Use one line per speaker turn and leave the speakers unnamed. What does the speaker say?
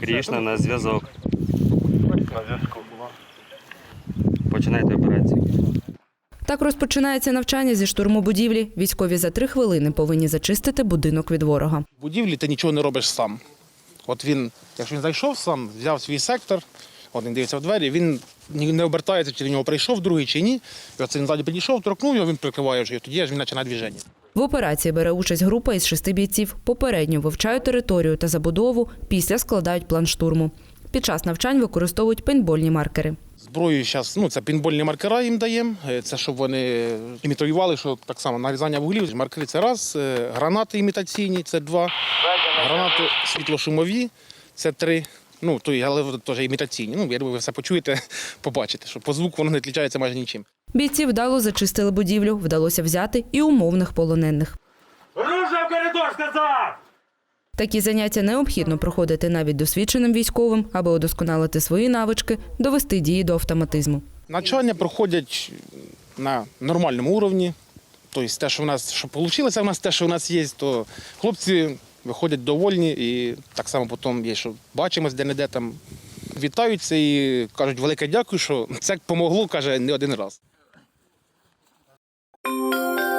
Крішна на зв'язок.
На зв'язку.
Починайте операцію.
Так розпочинається навчання зі штурму будівлі. Військові за 3 хвилини повинні зачистити будинок від ворога.
В будівлі ти нічого не робиш сам. От він, якщо він зайшов сам, взяв свій сектор, от він дивиться в двері, він не обертається, чи до нього прийшов другий, чи ні. І оце він ззаді підійшов, торкнув його, він прикриває вже, і тоді він починає движення.
В операції бере участь група із 6 бійців. Попередньо вивчають територію та забудову, після складають план штурму. Під час навчань використовують пейнтбольні маркери.
Зброю зараз, це пейнтбольні маркера їм даємо, це щоб вони імітували, що так само нарізання вуглів. Маркери – це раз, гранати імітаційні – це 2, гранати світлошумові – це 3. Але теж імітаційні. Я думаю, ви все почуєте, побачите, що по звуку воно не відрізняється майже нічим.
Бійці вдало зачистили будівлю, вдалося взяти і умовних полонених.
Оружие в коридор, сказав!
Такі заняття необхідно проходити навіть досвідченим військовим, аби удосконалити свої навички, довести дії до автоматизму.
Навчання проходять на нормальному рівні. Тобто те, що вийшло в нас, те, що в нас є, то хлопці виходять довольні і так само потім є, що бачимось де-не-де там, вітаються і кажуть велике дякую, що це допомогло, каже, не один раз.